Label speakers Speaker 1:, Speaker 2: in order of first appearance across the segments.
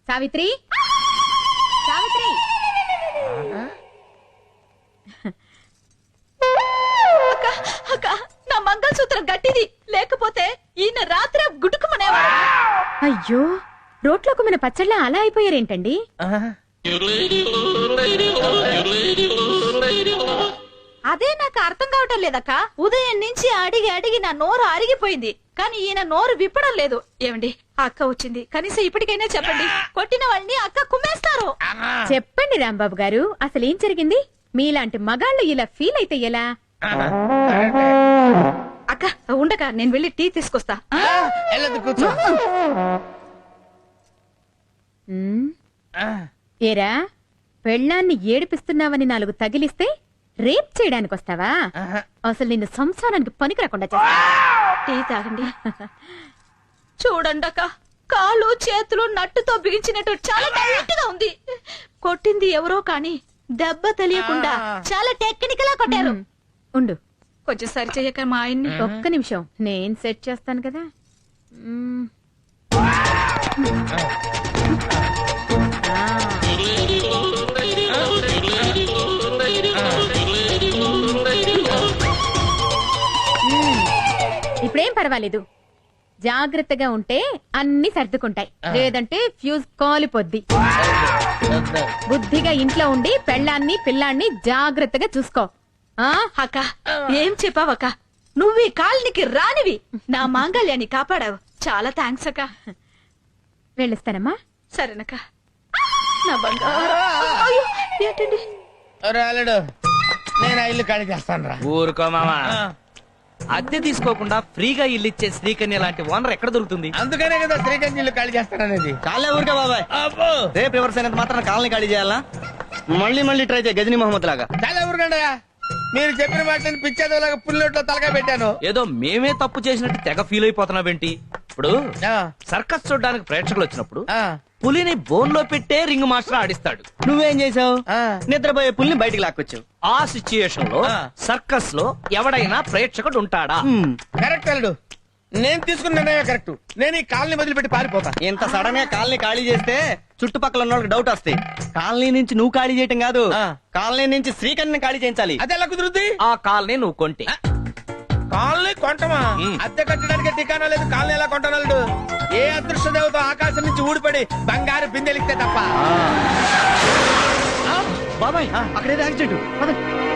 Speaker 1: సావిత్రి, సావిత్రి.
Speaker 2: అక్క, నా మంగళసూత్రం గట్టిది, లేకపోతే ఈయన రాత్రి గుడుకుమనేవాడు.
Speaker 1: అయ్యో, రోట్లో కుమ్మిన పచ్చళ్ళ అలా అయిపోయారేంటండి?
Speaker 2: అదే నాకు అర్థం కావటం లేదక్క. ఉదయం నుంచి అడిగి అడిగి నా నోరు అరిగిపోయింది, కానీ ఈయన నోరు విప్పడం లేదు. ఏమండి, అక్క వచ్చింది, కనీసం ఇప్పటికైనా చెప్పండి. కొట్టిన వాళ్ళని అక్క కుమ్మేస్తారు.
Speaker 1: చెప్పండి రాంబాబు గారు, అసలు ఏం జరిగింది? మీలాంటి మగాళ్ళు ఇలా ఫీల్ అయితే ఎలా?
Speaker 2: అక్క ఉండక, నేను వెళ్ళి టీ తీసుకొస్తా.
Speaker 1: ఏరా, పెళ్ళాన్ని ఏడిపిస్తున్నావని 4 తగిలిస్తే రేప్ చేయడానికి వస్తావా? అసలు నిన్ను సంసారానికి పనికి రాకుండా చేస్తా.
Speaker 2: టీ తాగండి. చూడండి అక్క, కాలు చేతులు నట్టుతో బిగించినట్టు చాలా టైట్ గా ఉంది. కొట్టింది ఎవరో కానీ దెబ్బ తెలియకుండా చాలా టెక్నికల్ గా కొట్టారు.
Speaker 1: ఉండు,
Speaker 2: కొంచెం సరి చెయ్యక మా ఆయన్ని.
Speaker 1: ఒక్క నిమిషం, నేను సెట్ చేస్తాను కదా. ఇప్పుడేం పర్వాలేదు, జాగ్రత్తగా ఉంటే అన్ని సర్దుకుంటాయి, లేదంటే ఫ్యూజ్ కాలిపోద్ది. బుద్ధిగా ఇంట్లో ఉండి పెళ్ళాన్ని పిల్లాన్ని జాగ్రత్తగా చూసుకో.
Speaker 2: అక్క, ఏం చెప్పావక్క? నువ్వు ఈ కాలనికి రానివి, నా మాంగళ్యాన్ని కాపాడావు. చాలా థ్యాంక్స్ అక్క.
Speaker 1: వెళ్ళిస్తానమ్మా.
Speaker 2: సరేనక్క. నా బంగారు. అయ్యో, ఏంటండి?
Speaker 3: రాలేడు, నేను ఇల్లు ఖాళీ చేస్తాను రా.
Speaker 4: ఊరుకో మామా, అద్దె తీసుకోకుండా ఫ్రీగా ఇల్లు ఇచ్చే శ్రీకన్య లాంటి ఓనర్ ఎక్కడ దొరుకుతుంది?
Speaker 3: అందుకనే కదా శ్రీకాంత్ ఇల్లు ఖాళీ చేస్తాననేది.
Speaker 5: చాలే ఊరికే బాబాయ్, రేపు రివర్స్ అయినంత మాత్రం కాలనీ ఖాళీ చేయాలా? మళ్ళీ మళ్ళీ ట్రై చేయ గజనీ మహమ్మద్ లాగా.
Speaker 3: చాలా ఊరుకండయా, మీరు చెప్పిన మాటలను పిచ్చేదోలాగా పుల్లొట్లో తలగా పెట్టాను.
Speaker 4: ఏదో మేమే తప్పు చేసినట్టు తెగ ఫీల్ అయిపోతున్నావేంటి? ఇప్పుడు సర్కస్ చూడడానికి ప్రేక్షకులు వచ్చినప్పుడు పులిని బోన్ లో పెట్టే రింగ్ మాస్టర్ ఆడిస్తాడు.
Speaker 5: నువ్వేం చేసావు? నిద్రపోయే పుల్ని బయటికి లాక్కొచ్చావు.
Speaker 4: ఆ సిచ్యుయేషన్ లో సర్కస్ లో ఎవడైనా ప్రేక్షకుడు ఉంటాడా?
Speaker 3: కరెక్ట్ అల్లుడు, నేను తీసుకున్న నిర్ణయం కరెక్ట్. నేను ఈ కాలనీ వదిలిపెట్టి పారిపోతా.
Speaker 5: ఇంత సడన్ గా కాలనీ ఖాళీ చేస్తే చుట్టుపక్కల ఉన్న వాళ్ళకి డౌట్ వస్తాయి. కాలనీ నుంచి నువ్వు ఖాళీ చేయటం కాదు, కాలనీ నుంచి శ్రీకన్యని ఖాళీ చేయించాలి.
Speaker 3: అది ఎలా కుదురుద్ది?
Speaker 4: ఆ కాలనీ నువ్వు కొంటే.
Speaker 3: కాలనీ కొంటమా? అద్దె కట్టడానికి ఠికానా లేదు, కాలనీ ఎలా కొంటాను? ఏ అదృష్ట దేవత ఆకాశం నుంచి ఊడిపడి బంగారు బిందెలిస్తే తప్ప.
Speaker 5: బాబాయ్, అక్కడేదో యాక్సిడెంట్.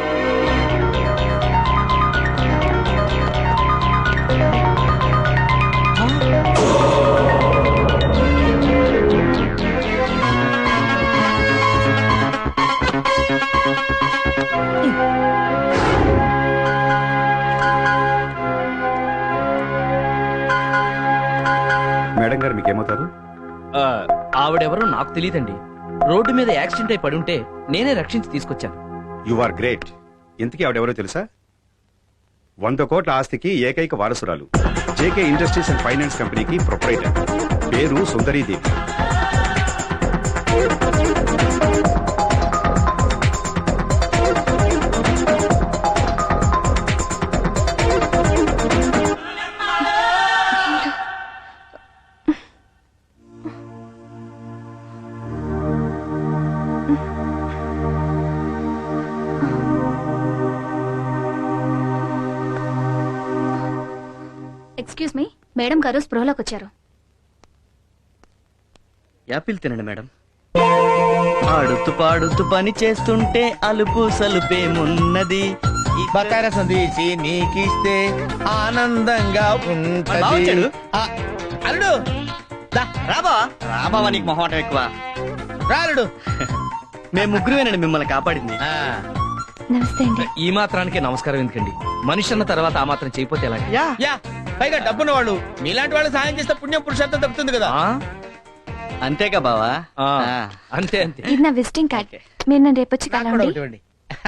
Speaker 6: మేడం గారు మీకేమవుతారు?
Speaker 4: ఆవిడెవరో నాకు తెలియదండి. రోడ్డు మీద యాక్సిడెంట్ అయి పడుంటే నేనే రక్షించి తీసుకొచ్చాను.
Speaker 6: You are great. ఇంతకీ ఆవిడెవరో తెలుసా? 100 కోట్ల ఆస్తికి ఏకైక వారసురాలు. జేకే ఇండస్ట్రీస్ అండ్ ఫైనాన్స్ కంపెనీకి ప్రొప్రైటర్. పేరు సుందరీదేవి.
Speaker 7: ఎక్స్క్యూజ్ మీ, మేడం గారు స్పృహలోకి వచ్చారు.
Speaker 5: యాపిల్ తినండి మేడం. ఆడుతూ పాడుతూ పని చేస్తుంటే అలుపు సలుపేమున్నది.
Speaker 3: బకారసం తీసి నీకిస్తే ఆనందంగా ఉంటది. అల్లుడు
Speaker 5: రాబా రాబావా, నీకు మొహమాటం ఎక్కువ.
Speaker 3: రాలుడు,
Speaker 5: మేము ముగ్గురువేనండి మిమ్మల్ని కాపాడింది.
Speaker 7: నమస్తే అండి.
Speaker 4: ఈ మాత్రానికి నమస్కారం ఎందుకండి? మనిషి అన్న తర్వాత ఆ మాత్రం చేయపోతే ఎలాగ?
Speaker 3: యా, పైగా డబ్బున్న వాళ్ళు మీలాంటి వాళ్ళు సాయం చేస్తే పుణ్యం పురుషార్థం తప్పుతుంది కదా.
Speaker 5: అంతేగా బావా?
Speaker 4: అంతే అంతే.
Speaker 7: ఇది నా విజిటింగ్ కార్డ్. మీరు నన్ను రేపు వచ్చి కలవండి.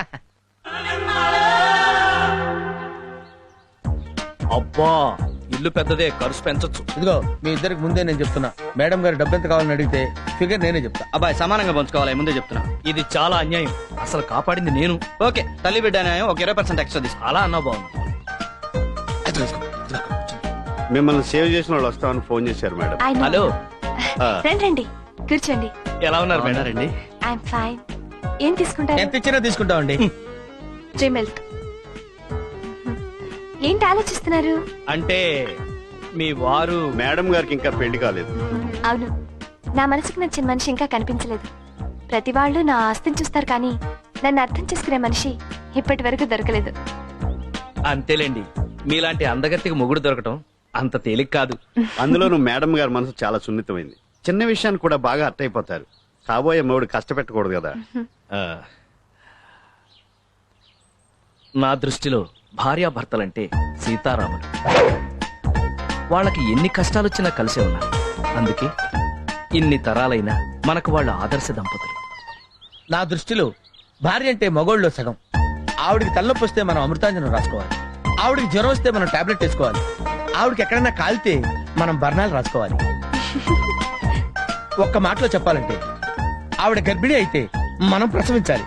Speaker 4: అబ్బా, ఇల్లు పెద్దదే, ఖర్చు పెంచొచ్చు.
Speaker 3: ఇదిగో మీ ఇద్దరికి ముందే నేను చెప్తున్నా, మేడం గారు డబ్బు ఎంత కావాలని అడిగితే ఫిగర్ నేనే చెప్తా.
Speaker 5: అబ్బాయి సమానంగా పంచుకోవాలి, ముందే చెప్తున్నా.
Speaker 4: ఇది చాలా అన్యాయం. అసలు కాపాడింది నేను.
Speaker 5: ఓకే, తల్లి బిడ్డ న్యాయం, ఒక 20% ఎక్స్ట్రా తీసుకో.
Speaker 4: అలా అన్నా బాగుంది.
Speaker 6: మిమ్మల్ని సేవ్ చేసిన వాళ్ళు వస్తామని ఫోన్ చేశారు మేడం.
Speaker 7: I know.
Speaker 4: హలో,
Speaker 7: రండి రండి. కూర్చోండి.
Speaker 4: ఎలా ఉన్నారు మేడం?
Speaker 5: బాగున్నారండి?
Speaker 7: I'm fine. ఏం తీసుకుంటారు?
Speaker 3: ఎంత ఇచ్చినా తీసుకుంటామండి.
Speaker 7: 3 మిల్క్. ఏంటి ఆలోచిస్తున్నారు?
Speaker 4: అంటే మీ వారు
Speaker 6: మేడం గారికి ఇంకా పెళ్లి కాలేదు.
Speaker 7: అవును, నా మనసుకు నచ్చిన మనిషి ఇంకా కనిపించలేదు. ప్రతి వాళ్ళు నా ఆస్తిని చూస్తారు కానీ నన్ను అర్థం చేసుకునే మనిషి ఇప్పటి వరకు దొరకలేదు.
Speaker 4: అంతేలేండి, మీలాంటి అందగత్తికి మొగుడు దొరకటం అంత తేలిక కాదు.
Speaker 6: అందులోనూ మేడం గారి మనసు చాలా సున్నితమైంది. చిన్న విషయాన్ని కూడా బాగా అర్థమైపోతారు. కాబోయే మొగుడు కష్టపెట్టకూడదు కదా.
Speaker 4: ఆ, నా దృష్టిలో భార్యాభర్తలంటే సీతారాములు. వాళ్ళకి ఎన్ని కష్టాలొచ్చినా కలిసే ఉన్నారు. అందుకే ఇన్ని తరాలైనా మనకు వాళ్ళ ఆదర్శ దంపతులు.
Speaker 3: నా దృష్టిలో భార్య అంటే మగోళ్ళలో సగం. ఆవిడికి తలనొప్పి వస్తే మనం అమృతాంజనం రాసుకోవాలి. ఆవిడికి జ్వరం వస్తే మనం టాబ్లెట్ వేసుకోవాలి. ఆవిడకి ఎక్కడైనా కాలితే మనం బర్ణాలు రాసుకోవాలి. ఒక్క మాటలో చెప్పాలంటే ఆవిడ గర్భిణి అయితే మనం ప్రసవించాలి.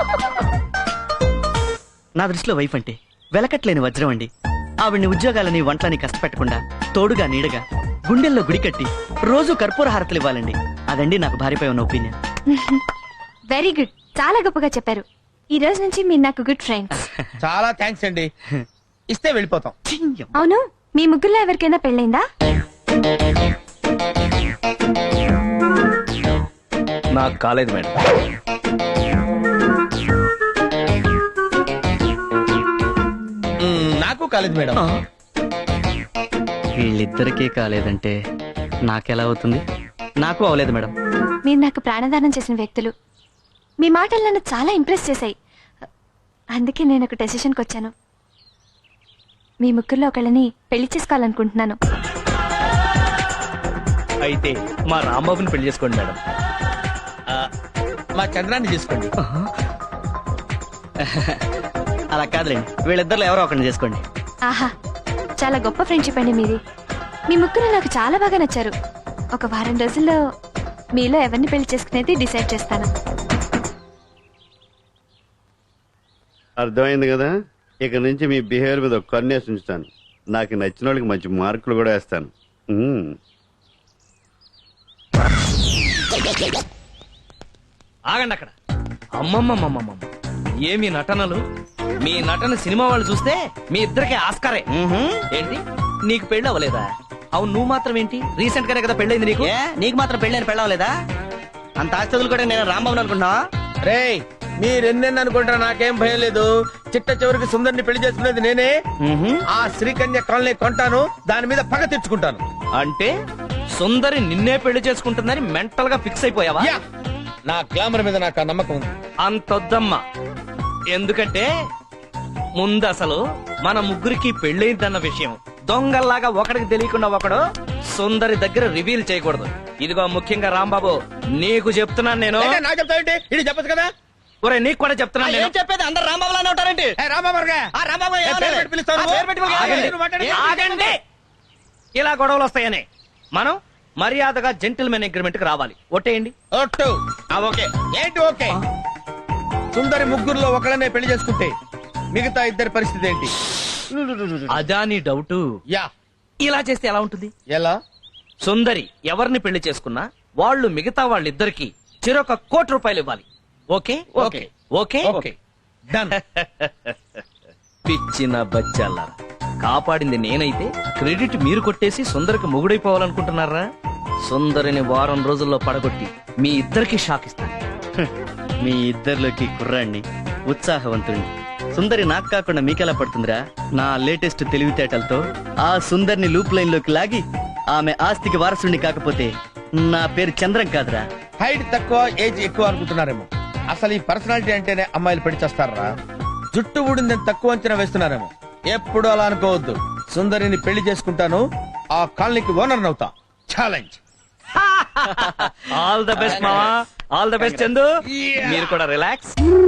Speaker 5: నా దృష్టిలో వైఫ్ అంటే వెలకట్లేని వజ్రం అండి. ఆవిడ్ని ఉద్యోగాలని వంటలని కష్టపెట్టకుండా తోడుగా నీడగా గుండెల్లో గుడి కట్టి రోజు కర్పూర హారతలు ఇవ్వాలండి. అదండి నాకు భార్యపై ఉన్న ఒపీనియన్.
Speaker 7: వెరీ గుడ్, చాలా గొప్పగా చెప్పారు. ఈ రోజు నుంచి మీరు నాకు గుడ్ ఫ్రెండ్స్.
Speaker 3: చాలా థ్యాంక్స్ అండి. ఇస్తే వెళ్ళిపోతాం.
Speaker 7: అవును, మీ ముగ్గురులో ఎవరికైనా పెళ్ళైందా?
Speaker 4: నాకు కాలేదు మేడం.
Speaker 3: నాకు కాలేదు మేడం.
Speaker 5: వీళ్ళిద్దరికీ కాలేదంటే నాకెలా అవుతుంది? నాకు అవలేదు మేడం.
Speaker 7: మీరు నాకు ప్రాణదానం చేసిన వ్యక్తులు. మీ మాటలు నన్ను చాలా ఇంప్రెస్ చేశాయి. అందుకే నేను ఒక డెసిషన్కి వచ్చాను. మీ ముగ్గురులో ఒకళ్ళని పెళ్లి చేసుకోవాలనుకుంటున్నాను.
Speaker 4: అయితే మా రాంబాబుని పెళ్లి చేసుకోండి మేడం.
Speaker 3: మా చంద్రాన్ని తీసుకోండి.
Speaker 5: అలా కాదులేండి, వీళ్ళిద్దరిలో ఎవరో ఒకరిని చేసుకోండి.
Speaker 7: ఆహా, చాలా గొప్ప ఫ్రెండ్షిప్ అండి మీది. మీ ముగ్గురు నాకు చాలా బాగా నచ్చారు. ఒక వారం రోజుల్లో మీలో ఎవరిని పెళ్లి చేసుకునేది డిసైడ్ చేస్తాను.
Speaker 6: అర్థమైంది కదా. ఇక నుంచి మీ బిహేవియర్ మీద ఒక కన్నేసి ఉంచుతాను. నాకు నచ్చిన వాళ్ళకి మంచి మార్కులు కూడా వేస్తాను.
Speaker 4: ఆగండి అక్కడ. అమ్మమ్మమ్మమ్మమ్మ, ఏమి నటనలు! మీ నటన సినిమా వాళ్ళు చూస్తే మీ ఇద్దరికి ఆస్కారే. ఏంటి, నీకు పెళ్ళి అవ్వలేదా? అవును, నువ్వు మాత్రం ఏంటి, రీసెంట్ గానే కదా పెళ్ళైంది నీకు.
Speaker 5: ఏ, నీకు మాత్రం పెళ్ళని పెళ్ళవలేదా? అంత ఆస్తులు కూడా నేను రాంబాబుని అనుకుంటున్నా.
Speaker 3: రేయ్, మీరెన్నెన్ని అనుకుంటారా, నాకేం భయం లేదు. చిట్ట చివరికి సుందర్ని పెళ్లి చేసుకునేది నేనే. ఆ శ్రీకన్య కాలనీ కొంటాను, దాని మీద పగ తెచ్చుకుంటాను.
Speaker 4: అంటే సుందరి నిన్నే పెళ్లి చేసుకుంటుందని మెంటల్ గా ఫిక్స్ అయిపోయావా?
Speaker 3: యా, నా గ్లామర్ మీద నాకు ఆ నమ్మకం ఉంది.
Speaker 4: అంతొద్దమ్మా. ఎందుకంటే ముందు అసలు మన ముగ్గురికి పెళ్ళైందన్న విషయం దొంగల్లాగా ఒకడికి తెలియకుండా ఒకడు సుందరి దగ్గర రివీల్ చేయకూడదు. ఇదిగో ముఖ్యంగా రాంబాబు, నీకు చెప్తున్నాను నేను.
Speaker 3: ఏంటి, నాకు చెప్తావేంటి? ఇది చెప్పచ్చు కదా.
Speaker 4: ఒరే, నీకు కూడా చెప్తున్నాను నేను.
Speaker 5: చెప్పేది అందరు రాంబాబులానే ఉంటారండి.
Speaker 3: ఏ, రామావర్గా.
Speaker 5: రాంబాబు
Speaker 3: ఏ, పేరు పెట్టి పిలుస్తావు నువ్వు?
Speaker 5: పేరు పెట్టి పిలుస్తావు.
Speaker 3: ఆగండి, నువ్వు మాట్లాడు.
Speaker 4: ఆగండి. ఇలా గొడవలు వస్తాయని మనం మర్యాదగా జెంటిల్మెన్ అగ్రిమెంట్ కి రావాలి. ఒట్టేయండి.
Speaker 3: ఒట్టు. ఆ, ఓకే. ఏంటి ఓకే? సుందరి ముగ్గురులో ఒకళ్ళనే పెళ్లి చేసుకుంటే మిగతా ఇద్దరి పరిస్థితి ఏంటి?
Speaker 4: అదా నీ డౌట్?
Speaker 3: యా.
Speaker 4: ఇలా చేస్తే ఎలా ఉంటుంది?
Speaker 3: ఎలా?
Speaker 4: సుందరి ఎవరిని పెళ్లి చేసుకున్నా వాళ్ళు మిగతా వాళ్ళిద్దరికి చెరొక ₹1,00,00,000 ఇవ్వాలి. Okay
Speaker 3: okay.
Speaker 4: Okay
Speaker 3: okay, done.
Speaker 4: పిచ్చిన బచ్చాలారా, కాపాడింది నేనైతే క్రెడిట్ మీరు కొట్టేసి సుందరికి మొగుడైపోవాలనుకుంటున్నారా? సుందరిని వారం రోజుల్లో పడగొట్టి మీ ఇద్దరికి షాక్ ఇస్తాను.
Speaker 5: మీ ఇద్దరిలోకి కుర్రాణ్ణి, ఉత్సాహవంతుణ్ణి. సుందరి నాకు కాకుండా మీకెలా పడుతుందిరా? నా లేటెస్ట్ తెలివితేటలతో ఆ సుందరిని లూప్ లైన్ లోకి లాగి ఆమె ఆస్తికి వారసుడిని కాకపోతే నా పేరు చంద్రం కాదురా.
Speaker 3: హైట్ తక్కువ, ఏజ్ ఎక్కువ అనుకుంటున్నారేమో. అసలు ఈ పర్సనాలిటీ అంటేనే అమ్మాయిలు పెళ్లి చేస్తారా? జుట్టు ఊడిందని తక్కువ అంచనా వేస్తున్నారేమో. ఎప్పుడు అలా అనుకోవద్దు. సుందరిని పెళ్లి చేసుకుంటాను, ఆ కాలనీకి ఓనర్ అవుతా. ఛాలెంజ్.
Speaker 4: ఆల్ ద బెస్ట్ మావా, ఆల్ ద బెస్ట్ చందు. మీరు కూడా రిలాక్స్.